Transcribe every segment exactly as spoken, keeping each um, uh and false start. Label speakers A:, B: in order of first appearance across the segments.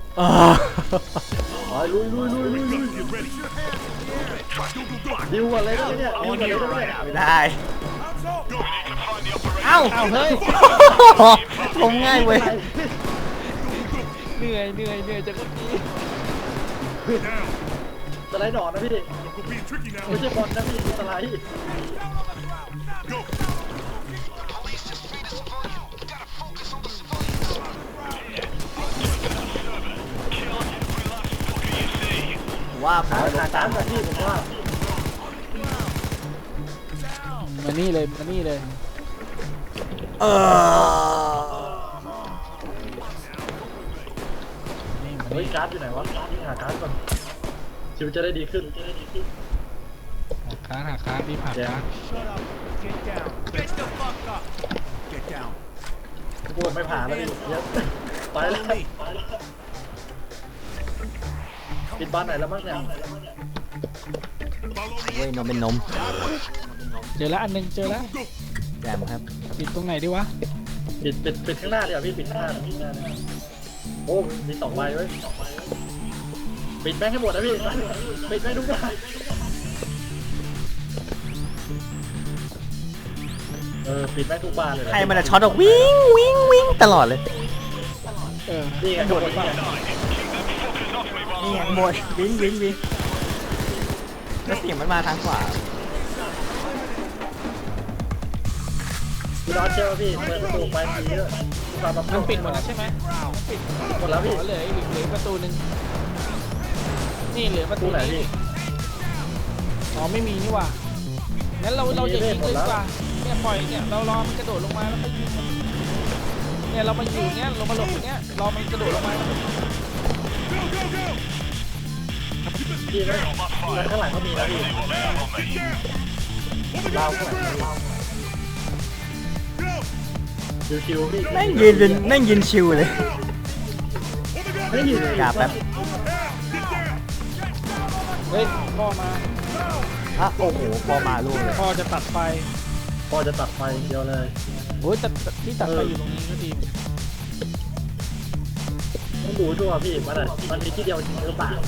A: อ๋อลุยลุยลุยลุยลุยดิวอะไรได้เนี่ยดิวอะไรได้เนี่ย
B: ไม่ได้เอ้า
C: เอาเฮ้ย
B: ผมง่ายเว้ย
C: เหนื่อยเหนื่อยเหนื่อยจากเมื่อกี้
A: สไลด์ดอกนะพี่ไม่ใช่บอลนะพี่สไลด์
B: ว่าผ
A: หาม หาการกับพี่ผมว่า
C: มานี่เลยมานี่เลย
B: เออ
C: นี่มา
A: เฮ้ย
C: นี่
A: การ์ดอยู่ไหนวะหาการ์ดก่อนชีวิตจะได้ดีขึ้น
C: หาค้านหาค้านรีบหาค้าน
A: พูดไม่ผ่านแล้วพี่เยอะไปแล้วปิดบ้านไหนแล้วมั้งเนี่ย
B: เว้ยนมเป็นนม
C: เจอแล้วอันหนึงเจอแล้ว
B: แจมครับ
C: ปิดตรงไหนดีวะ
A: ปิดปิดปิดข้างหน้าเดี๋ยวพี่ปิดข้างหน้าปิดข้างหน้าโอ้มีสองใบเว้ยปิดแม่งให้หมดนะพี่ปิดแม่งทุกอย่างเออปิดแม่งทุกบานเลย
B: ใครมันจะช็อตออกวิ่งวิ่งวิ่งตลอดเลย
C: เออ
A: นี่ไง
C: โด
A: โด
C: ด
A: ด
C: หรือเปล่า
B: นี่ไงหมดวิ่งวิ่งวิ่งแล้วเสียงมันมาทางขวา
A: พี่รอดเชื่อพี่เปิดประตูไปทีเยอะความแบบ
C: มันปิดหมดแล้วใช่ไหมมันปิด
A: หมดแล้วพี่
C: เหลืออีกเหลือประตูหนึ่งนี่เหลือประตู
A: ตู้ไหนพี่
C: อ๋อไม่มีนี่หว่างั้นเราเราอย่ายิงเลยดีกว่าเนี่ยปล่อยเนี่ยเรารอมันกระโดดลงมาแล้วก็ยิงมันเนี่ยเรามาอยู่เนี้ยเรามาหลบอย่างเนี้ยรอมันกระโดดลงมา
A: พี่นะข้างหลังก็มีนะพี่เราข้างหลังชิวๆพี่
B: แม่งยืนเป็นแม่งยืนชิวเลย
A: ไม่ยืน
B: กราบแป๊บ
C: เฮ้ยพ่อมา
B: อ่ะโอ้โหพอมาลูกเลย
C: พ่อจะตัดไฟ
A: พอจะตัดไฟเดียวเลย
C: โอ้ยแต่แต่ที่ตัดไฟอยู่ตรงนี้ก็ดี
A: ต้องดูด้วยพี่มันอ่ะมันมีที่เดียวจริงหรือเปล่า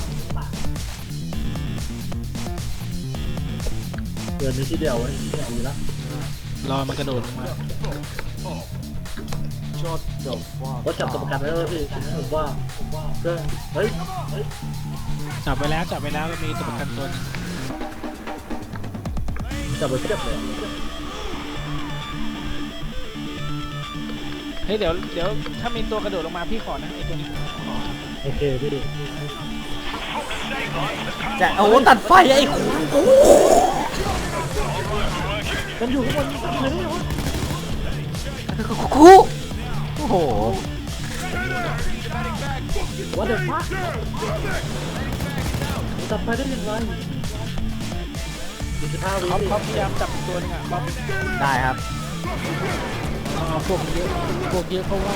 A: เกินมีที่เดียวไว้ดีแล้ว
C: รอมันกระโดดลงมา
B: ชดจบว่า
A: ก็จับตัวประกันไว้เลยพี่ผมว่าเฮ้ยเฮ้ย
C: จับไปแล้วจับไปแล้วมีตัวประกันตัวนึง
A: จับไปเทียบเลย
C: เฮ้ยเดี๋ยวเดี๋ยวถ้ามีตัวกระโดดลงมาพี่ขอนะไอตัวนี้ขอ
A: โอเคพี่
B: จะโอ้ตัดไฟไอ้ขู่โอ้
A: มันอยู่ข้างบนทำอะไรได้วะ
B: คู่โอ้โห
A: ว่าเด็กมากจับไปได้ยังไงยี่สิบห้าวิ
C: เขาเขาพยายามจับตัวนึงอ่ะเขา
B: ได้ครับ
C: เอาพวกเยอะพวกเยอะเพราะว่า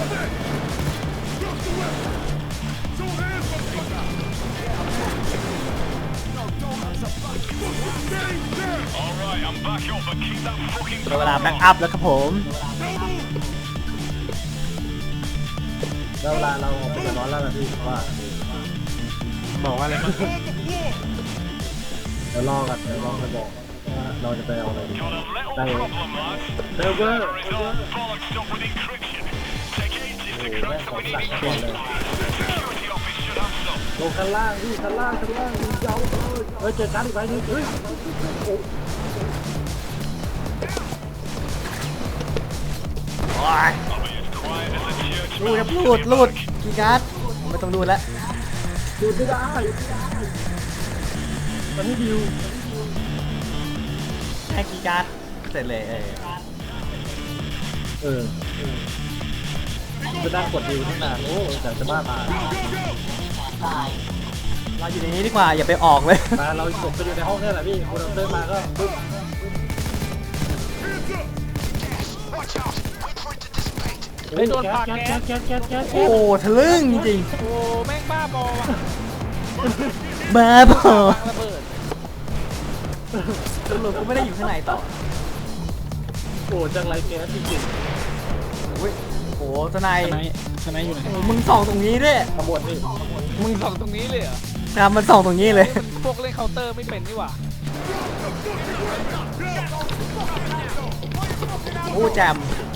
B: เวลาแบ็กอัพแล้วครับผม
A: แล้วเวลาเราออกไปเดือดร้อนแล้วนะพี่ว่า
C: บอกว่าอะไรมั้ง
A: เดี๋ยวรอกันเดี๋ยวรอกันบอกว่าเราจะไปเอาอะไรได้เซิร์ฟเวอร์โอ้โหแม่งของสั่งก่อนเลยลงข้างล่างพี่ข้างล่างข้างล่างมีเจ้าเลยเฮ้ยเจอการอีกใบนึงเฮ้ยโอ้
B: โอ้ยรูดครับรูดรูดกีการ์ดผมไม่ต้องรูดแล้ว
A: ดูไม่ได้มันไม่ดิว
B: แค่กีการ์ดเสร็จเลยเออ
A: เออจะนั่งกดดิวตั้งนานโอ้แต่จะบ้าตาย
B: เราอยู่ในนี้ดีกว่าอย่าไปออกเลย
A: มาเรากดไปอยู่ในห้องนี่แหละพี่คนเราเดินมาก็ปุ๊บ
C: เฮ้ยโดนปาก
A: แก๊ส
C: แก๊ส
A: แก๊สแก๊สแก๊ส
B: โอ้ทะลึ่งจริง
C: โอ้แม่งบ้าบอว่ะ
B: ๆบ้าบอ
C: วางระเบิด
B: สรุปก็ไม่ได้อยู่ข้างในต่อ
A: โอ้จังไรแก๊สจริง
B: อุ้ยโอ้ทนาย
C: สไนด์สไนด์อยู่ไหน
B: โอ้มึงส่องตรงนี้ด้วย
A: ขบวนพี่
C: มึงส่องตรงนี้เลยเหรอ
B: นะมันส่องตรงนี้เลย
C: พวกเล่นเคาน์เตอร์ไม่เป็นนี่หว่า
B: โอ้แจม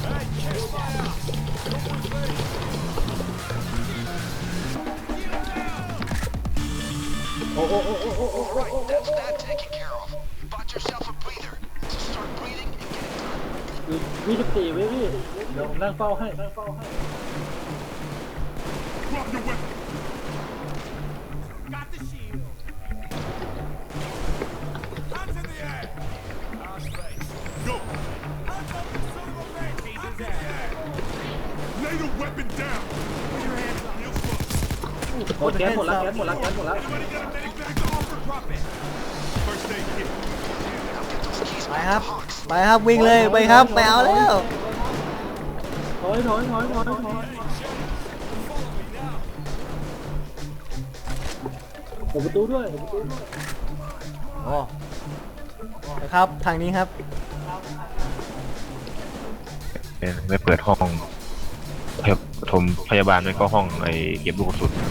A: โอ้โอ้โอ้โอ้โอ้โอ้
D: That's that taken care of. Bought yourself a breather. So start breathing and get it done.
A: ยี่สิบสี่วิพี่เดี๋ยวผมนั่งเฝ้าให้
E: Lay the weapon down. Put your hands on your foot.
A: โอ้แก๊สหมดแล้วแก๊สหมดแล้วแก๊สหมดแล้ว
E: Anybody got a medic bag to offer? Drop it. First aid kit.
B: ไปครับ ไปครับวิ่งเลยไปครับไปเอาแล้ว
A: ถอยถอยถอยถอยถอยผมประตูด้วยผมประตูด้วย
B: โอ้ไปครับทางนี้ครับ
F: ไม่เปิดห้องพยาปฐมพยาบาลไม่ก็ห้องไอ้เก็บลูกกระสุน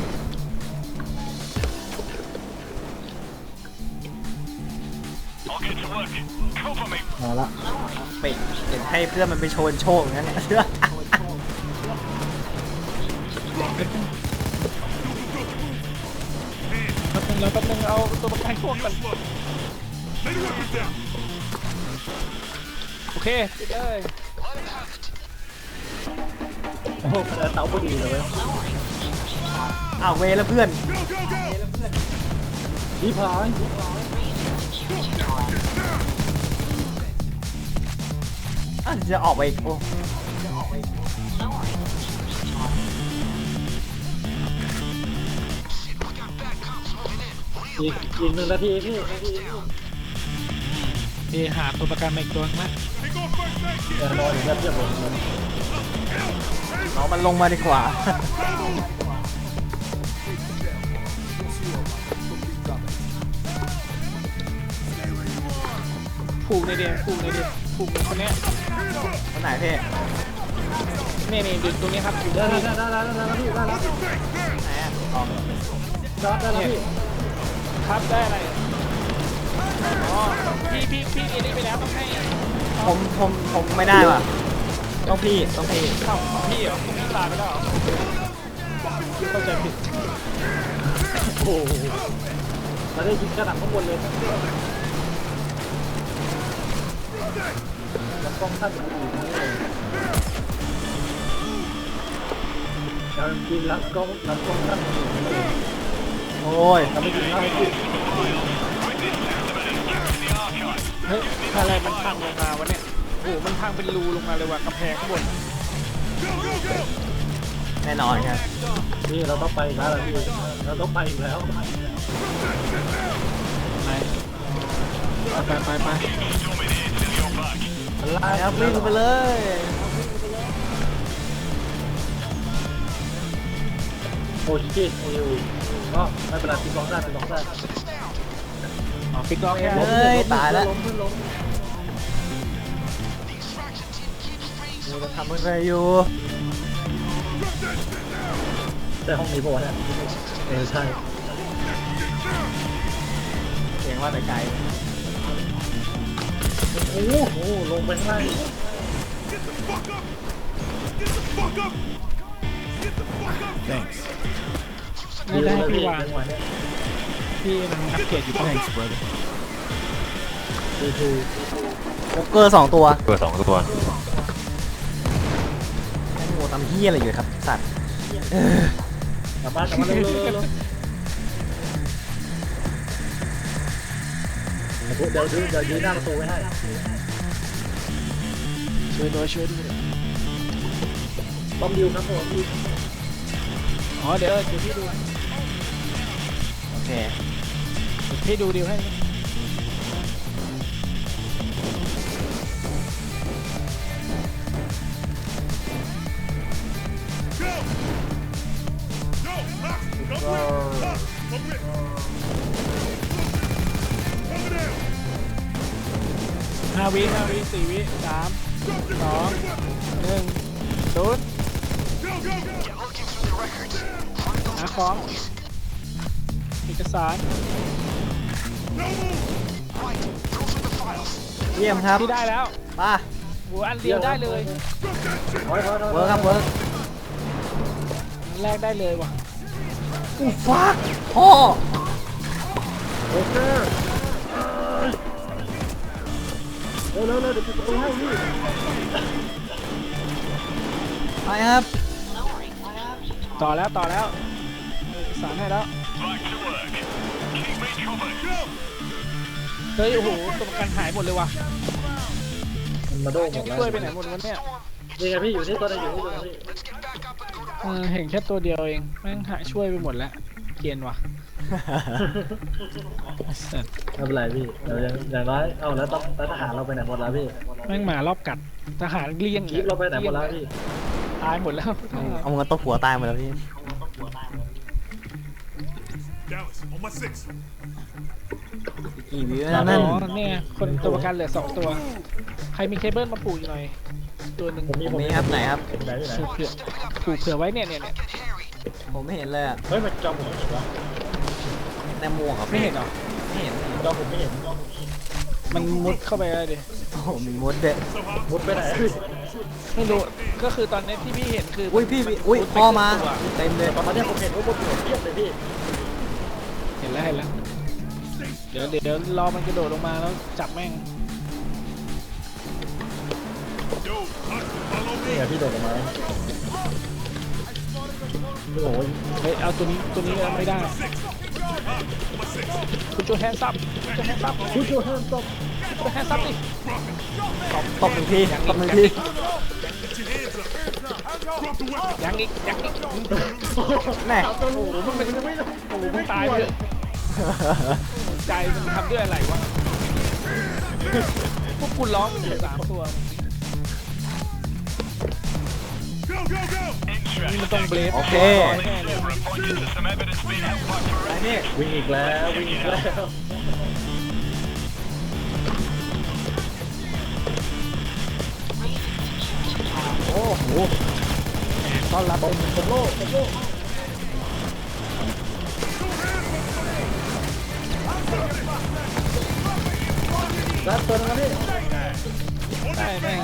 D: I'll get to work. Cover me.
A: มาละ
B: ไปเห็นให้เพื่อนมันไปโชว์โชคอย่างนั้นเนี่ย
C: แป๊บนึงแล้วแป๊บนึงเอาตัวประกันพวกกัน
E: Lay the weapon down.
C: โอเคปิดเลย
A: โอ้โหเตาพอดีเลยเว้ย
B: อ้าวเวแล้วเพื่อน
E: Go, go, go.
A: พี่พาย
B: อ่ะจะออกไปอีกโอ้
A: อีกอีกหนึ่งนาทีพี่
C: เอหาตัวประกันมาอีกตัวนึงนะ
E: Take off first aid kit.
A: แน่นอนอยู่แล้วเทียบเลย
B: เอามันลงมาดีกว่า
C: ผูกในเดียผูกในเดียผูกในคนเนี้ย
B: คนไหนพี่
C: นี่นี่ดึงตรงนี้ครับอยู่
A: ได้
C: ที่
A: ได้ได้ได้ได้ได้พี่ได้แล้ว
B: ไหนอ่ะออก
A: จอดได้แล้วพี่
C: ครับได้อะไรอ๋อพี่พี่พี่เอนี่ไปแล้วต้องให้
B: ผมผมผมไม่ได้ว่ะต้องพี่ต้องพี่
C: เข้าของพี่เหรอพี่ลาไปแล้วเหรอเข้าใจผิด
A: โอ้โหมาได้ยิงกระหน่ำข้างบนเลยแล้วกล้องท่านมันอยู่นี่เลยการกินรับกล้องรับกล้องท่านมันอยู่นี่เลย
B: โอ้ย
A: ทำไม่ดีนะไม่ดี
C: เฮ้ยอะไรมันพังลงมาวะเนี่ยโอ้โหมันพังเป็นรูลงมาเลยว่ะกำแพงข้างบน
B: แน่นอนครับ
A: พี่เราต้องไปอีกแล้วพี่เราต้องไปอีกแล้ว
C: ไหนไปไปไป
A: อะไร
B: ไปครับวิ่งไปเลย
A: โอ้ชิตเอวก็ไม่เป็นไรตีกองได้ตีกองได้
C: อ๋อปิดล็อกแค่
B: เฮ้ยตายแล้ว
A: ล้มขึ้นล้ม
B: เราจะทำอะไรอยู่
A: แต่ห้องนี้ปะวะเนี่ยเออใช่
B: เสียงว่าแต่ไกล
A: โอ้โหลงไปข้างล่าง
E: Get the fuck up. Get the fuck up. Get the fuck up. Thanks.
C: ไม่ได้ให้พี่วาง
A: จังหวะเนี้ย
C: พี่มันอัปเกรดอยู่ที่ไหน
A: ดูดู
B: โป๊กเกอร์สองตัว
F: เปิดสองตัว
B: โอ้โหทำเฮียอะไรอยู่ครับสัตว์
A: กลับบ้านกลับบ้านเร็วเร็วเร็วเดี๋ยวดูเดี๋ยวยืนหน้าประตูไว้ให้
C: ช่วยด้วยช่วยด้วย
A: บอมดิวครับผม
C: อ๋อเดี๋ยวเดี๋ยวพี่ดู
B: โอเค
C: เดี๋ยวพี่ดูดิวให้
E: Go. Go. Up. Come with. Up. Come with. Over there.
C: ห้าวิห้าวิสี่วิสาม
E: Drop your
C: สอง
E: fucking weapon.
C: หนึ่งศูนย์
D: Get looking through the records. Find those
C: หาของเอกสาร
D: right. Those are the files.
B: เยี่ยมครับ
C: ที่ได้แล้ว
B: ป่ะ
C: โหอันเดียวได้เลย
A: ถอยถอยถอย
B: เวิร์กครับเวิร์ก
C: อันแรกได้เลยว่ะ
B: อู้ฟักพ่อ
A: โอเคเร็วเร็วเร็วเดี๋ยวจะไปให้พี่
B: ไปครับ
C: ต่อแล้วต่อแล้วเอกสารให้แล้ว เฮ้ยโอ้โหตัวประกันหายหมดเลยว่ะ
A: มันมาโดนหม
C: ยัง
A: ดแล้ว
C: ช่วยไปไหนหมดวะเนี่ย
A: นี่ไงพี่อยู่นี่ตัวนึงอยู่นี่ตัวนึงพี่
C: เออเห็นแค่ตัวเดียวเองแม่งหายช่วยไปหมดแล้วเกรียนว่ะไอ้สัส
A: ไม่เป็นไรพี่เดี๋ยวอย่างอย่างน้อยเอ้าแล้วต้องแล้วทหารเราไปไหนหมดแล้วพี่
C: แม่งหมารอบกัดทหารเลี้ยง
A: คลิปเราไปไหนหมดแล้วพี่
C: ตายหมดแล้ว
B: เอาเงินตบหัวตายหมดแล้วพี่
E: Dallas, on my six.
B: กี่วิว
C: อ๋
B: นะนั่น
C: อเนี่ยคนตัวประกันเหลือสองตัว ใครมีเคเบิลมาปลูกอีกหน่อย ตัวหนึ่ง
A: ผมมี
B: ผ
A: ผม ม
B: มี
A: มี
B: ครับไหนครับ
A: ไหนที่ไหน
C: เผื่อปลูกเผื่อไว้เนี่ยเนี่ยเนี่ย
B: ผมไม่เห็นเลยอะ
A: เฮ้ยมันจอผมไม่เห็นวะ
B: ในหมวกอะ
C: ไม่เห็นเหรอ
B: ไม่เห็นไม่เห็น
A: จอผมไม่เห็น
C: มันมุดเข้าไปเลยดิ
B: โอ้โหมีมดเด็ด
A: มุดไปไหนพี่
C: ไม่รู้ก็คือตอนนี้ที่พี่เห็นคือ
B: อุ้ยพี่พี่อุ้ย
C: มุดไป
B: พ่อมา
C: ครึ่งตัว
B: เต็มเลย
A: ตอนนี้ผมเห็นว่ามุดหัวเทียบเลยพี่
C: เห็นแล้วเห็นแล้วเดี๋ยวเดี๋ยวเดี๋ยวรอมันกระโดดลงมาแล้วจับแม่ง
E: Yo, Hudson, follow
A: นี่
E: me.
A: ไงพี่โดดออกมาโอ้โห
C: เฮ้ยเอาตัวนี้ตัวนี้เอาไม่ได้
E: Six. On my six.
C: คุณโจแฮนซับคุณโจแฮนซับ
A: คุณโจฮันตบ
C: คุณโจแฮนซับดิ
B: ตบหนึ่งทีตบหนึ่งที
E: Get your hands up. Drop the weapon.
C: ยังอีกยังอีก
B: แน่
A: โอ้โหมันเป็นไม่ได้
C: โอ้โหมึงตายไปเลยใจมันทำด้วยอะไรวะพวกคุณร้องมันอยู่สามตัว
E: Go, go, go.
C: นี่มันต้องเบลฟ
B: โอเค
C: แน่เลย
B: ไปนี่
A: วิ่งอีกแล้ววิ่งอีกแล้ว
C: โอ้โหต้อนรับเป็น
A: ผมโลกผมโลกรับตัวนึงนะพี่
C: ได้แม่ง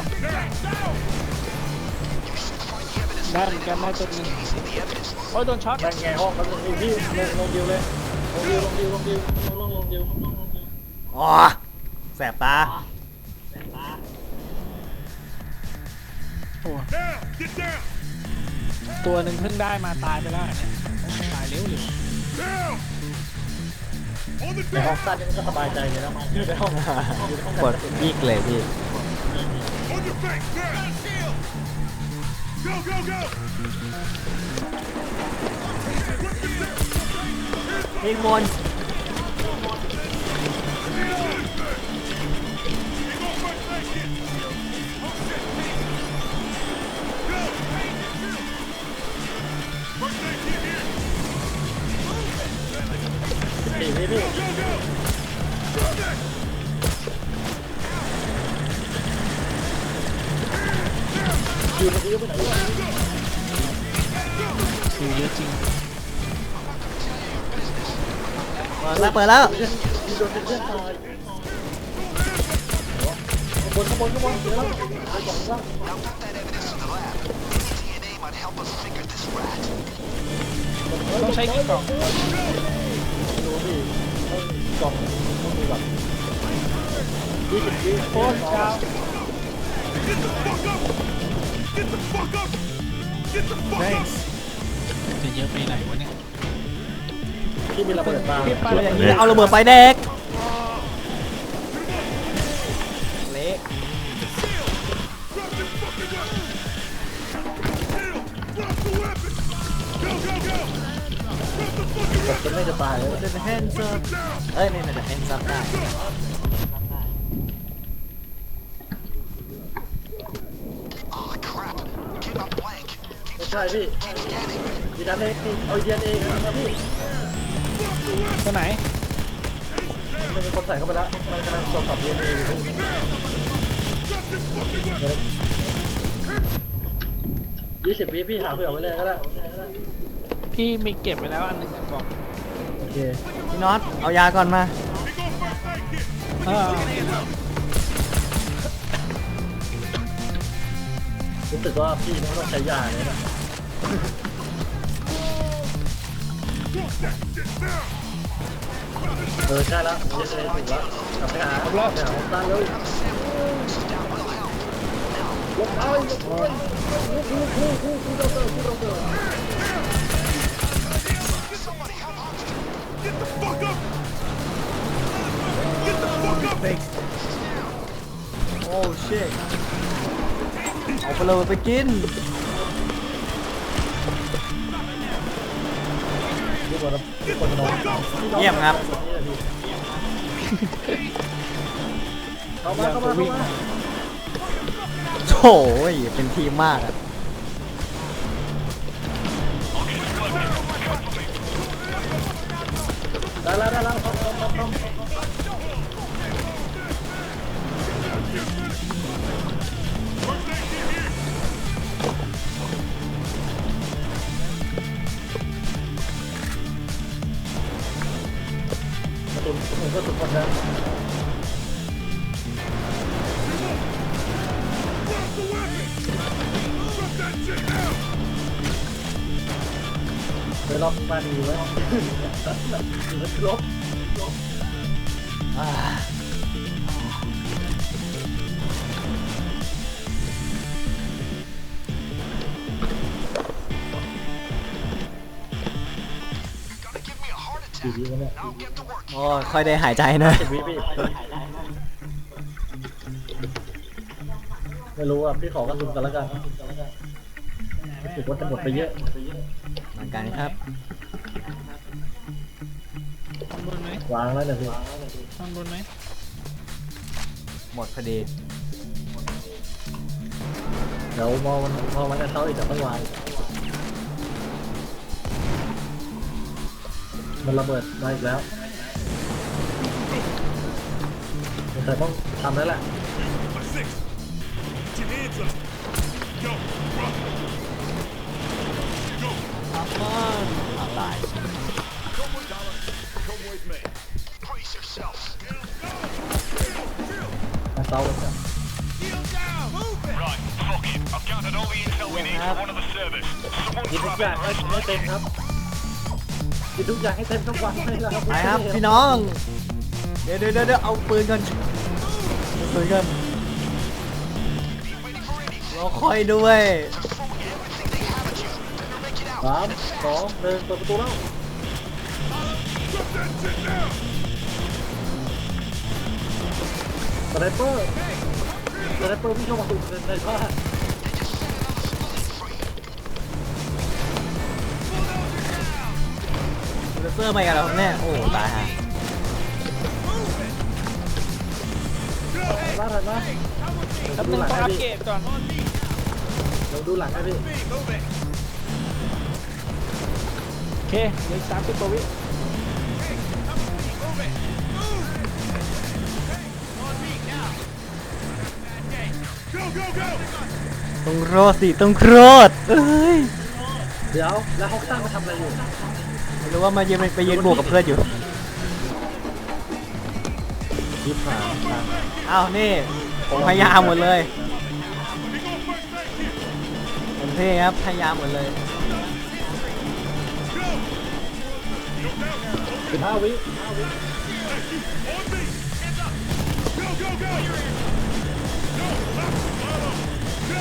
C: ได้เหมือนกันได้ตัวหนึงโอ้ยโดนช็อต
A: แบ่งแง่ห้องมันลงพี่ลงลงดิวเลยลงดิวลงดิวลงดิวลงลงลงดิว
B: อ๋อแสบตา
C: โอ้
E: Down. Get down.
C: ตัวหนึ่งเพิ่งได้มาตายไปแล้วเนี่ยตายเร็วเลย
E: Down. On the
A: ในห้อง
E: deck.
A: สั้นนี่มันก็สบายใจเลยนะอยู่ในห้องอยู่ในห้อง
B: กดยิกเลยพี่
E: On your face. Down. Go, go, go.
B: ยิงบน
A: สี่พี่พี่อยู่ในดิวไปไหนวะ
C: คือเยอะจริง
B: เปิดแล้วเปิดแล้ว
A: มีโดนเป็นเพื่อนตายขบวนขบวนขบวนเดี๋ยวเราไปก่อนว่า
C: ต้องใช้กี่กล่อง
A: ดูดิต้องกล่องต้องมีแบบยี่สิบวิ
C: โคตรยาว
E: Get the fuck up. Get the fuck up. Get the fuck up.
C: จะเยอะไปไหนวะเนี่ย
A: ที่มีระเบิดมา
C: พี่ไป
B: ตัว
C: เล
B: อย ย่างนี้เอาระเบิดไฟแดกเละ
E: Drop the weapon. Go, go, go. Drop the fucking
A: แบบจะไม่จะตายเลย
B: จะแฮนด์ซับเอ้ยนี่น่าจะแฮนด์ซับได้
D: Oh, crap. Came up blank.
A: ไม่ใช่พี่ดีดันเองเอาดีดันเองนะพี่
C: ตัวไหน
A: มันมีคนใส่เข้าไปแล้วมันกำลังตรวจสอบดีเอ็นเออยู่พี่ยี่สิบวิพี่หาเผื่อไว้เลยก็ได้
C: พี่มีเก็บไปแล้วอันหนึงอะบอก
A: โอเค
B: พี่น็อตเอายาก่อนมา
C: เออ
A: รู้สึกว่าพี่ไม่ต้องใช้ยาเลยนะ
E: Drop that shit now.
A: เออใช่แล้วเยสเลยถูกแล้วกลับไปหาไปหาของตั้งเลยลงไปลงไปคู่คู่คู่คู่คู่ดอกเตอร์คู่ดอกเตอร์
E: Get the fuck up. Get the fuck up.
B: โอ้ชิตเอาไปเลยไปกิน
A: ทุกคนทุกคนนอน
B: เยี่ยมครับ
A: เข้ามาเข้ามาเข้ามา
B: โถ่ยเป็นทีมมากอะ
A: ได้แล้วได้แล้วเข้าเข้าเข้าเข้าตุนผมก็ตุนคนนะ
E: Drop the weapon. Drop that shit now.
A: ไปรอบมาดีไว้ลบ
B: อ่า
A: ดีดีวะเนี่ย
B: โอ้ยค่อยได้หายใจหนะ
A: สิบวิพี่ไม่รู้อ่ะพี่ขอกระสุนกันแล้วกันรู้สึกว่าจะหมดไปเยอะ
B: เหมือนกันครับ
C: ข้างบนไหม
A: วางแล้วเนี่ยพี่
C: ข้างบนไหม
B: หมดพอดี
A: เดี๋ยวมองมันพอมันจะเข้าอีกจะต้องวางมันระเบิดมาอีกแล้วแต่ต้องทำแล้วแหละ
E: My six. Get your hands up. Go. Drop. Go.
B: ตาย
E: Come with dollar. Come with me.
D: Brace yourself.
A: มาเซาเลยจ้ะ
E: Heel down. Move it.
D: Right, fuck it. I've gathered all the intel we need for one of the service. Someone
A: กินทุก
D: grab
A: อย่าง
D: it.
A: ให้ให้เต็มครับกินทุกอย่างให้เต็มทุกวันให้แล้ว
B: ไปครับพี่น้อง เดี๋ยวเดี๋ยวเดี๋ยวเอาปืนกันเอาปืนกันรอคอยด้วย
A: สามสองหนึ่งเปิดประตูแล้ว
E: Drop that shit now.
A: สไนเปอร์สไนเปอร์พี่เข้ามาตุ่มในบ้าน
B: เซอร์มากันแล้วครับเนี่ยโอ้ตายฮะ
A: ล่าทันไหม
C: แป๊บ
A: ดู
C: นึง
A: หลัง
C: ต้อง
A: ให้
C: อัป
A: พี่
C: เกรดก่อน
A: เดี๋ยวดูหลังให้พี่
E: Move it.
C: โอเคเหลืออีกสามสิบกว่าวิ
E: Move it. On me now. Go, go, go.
B: ต้องรอดสิต้องรอดเอ้ย
A: เดี๋ยวแล้วฮอกซันมาทำอะไรอยู่
B: ไม่รู้ว่ามายืนไปยืนบวกกับเพื่อนอยู่
A: ยิบหา
B: อ้าวนี่ผมพยายามหมดเลย
E: We go first aid kit.
B: ผมเท่ครับพยายามหมดเลย
A: สิบห้าวิ
E: On me. Go, go, go. Go. Up. Follow. Go.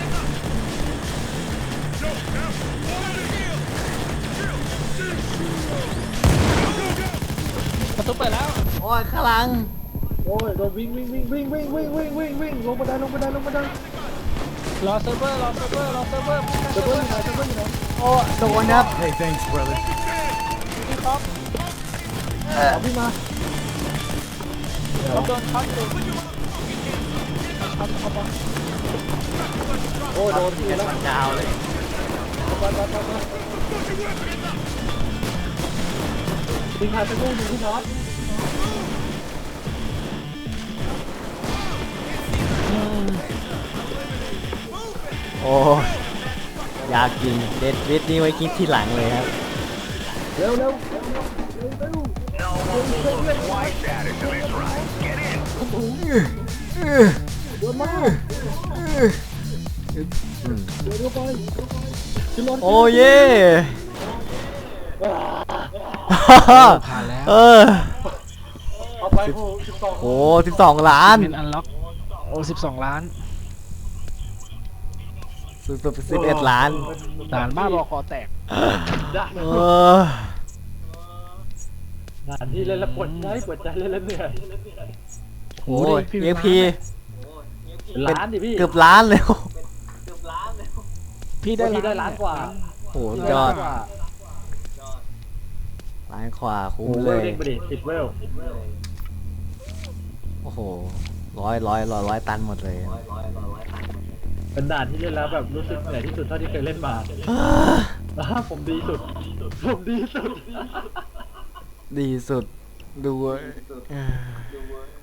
E: Go. Now. On me. Go, go, go.
C: ประตูเปิดแล้ว
B: โอ้ยข้างหลัง
A: โอ้ยโดนวิ่งวิ่งวิ่งวิ่งวิ่งวิ่งวิ่งวิ่งวิ่งลงบันไดลงบันไดลงบันได
C: รอเซิร์ฟเวอร์รอเซิร์ฟเวอร์รอเซิร์ฟเวอร์
A: เจะเบิ้ลอยู่ไหนเจะเบิ้ลอยู่ไหน
B: โอ้โดนครับ
E: Hey, thanks, brother.
C: พี่ท็อป
A: เอาพี่มา
C: ท็อปโดนช็อตอยู่ช็อตท็อป
A: โอ้ยโดนพี่แล้ว
B: ดาวเลย
A: ไปไปไปไปยิงหายไปลูกยิงพี่น็อต
B: โอ้อยากกินเด็ดวิทนี่ไว้กินทีหลังเลยครับ
A: เร็วเร็ว
B: โอ้เย่
C: ผ่านแล้ว
B: เออ
A: เอาไปโอ้สิบสอง
B: โอ้สิบสองล้าน
C: เป็นอันล็อกโอ้สิบสองล้าน
B: สิบสิบเอ็ดล้าน
C: ด่านบ้าบอคอแตก
B: เออ
A: ด่านที่เล่นแล้วปวดใจปวดใจเล่นแล้วเหนื่อย
B: โอ้ยเอ็กพี
A: ล้านดิพี่
B: เกือบล้านเลย
C: พี่ได้
A: พี่ได้ล้านกว่า
B: โอ้โหยอดล้านขวาคุ้ม
A: โอ้โห
B: เล
A: เวย ลเด้งไปดิสิบเวล
B: โอ้โหร้อยร้อยร้อยร้อยตันหมดเลย
A: เป็นด่านที่เล่นแล้วแบบรู้สึกเหนื่อยที่สุดเท่าที่เคยเล่นมาอ่าผมดีสุด ผมดีสุด
B: ดีสุดดูเออ